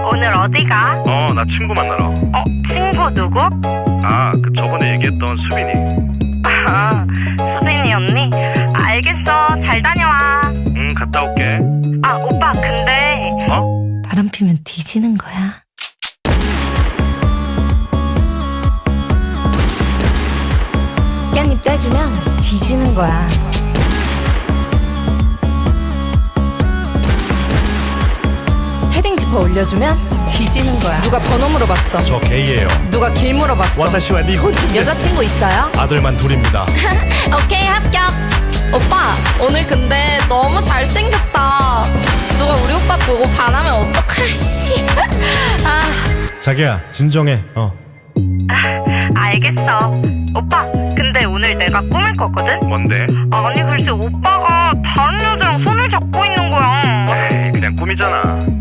오늘 어디 가? 나 친구 만나러. 친구 누구? 그 저번에 얘기했던 수빈이. 아, 수빈이 언니? 알겠어. 잘 다녀와. 갔다 올게. 오빠, 근데. 바람 피면 뒤지는 거야. 깻잎 떼주면 뒤지는 거야. 헤딩 지퍼 올려주면 뒤지는 거야. 누가 번호 물어봤어. 저 게이예요. 누가 길 물어봤어. 와타시와 니혼진 여자친구 있어요? 아들만 둘입니다. 오케이, 합격. 오빠, 오늘 근데 너무 잘생겼다. 누가 우리 오빠 보고 반하면 어떡하지? 자기야 진정해. 알겠어. 오빠, 근데 오늘 내가 꿈을 꿨거든? 뭔데? 아니, 글쎄, 오빠가 다른 여자랑 손을 잡고 있는 거야. 에이, 그냥 꿈이잖아.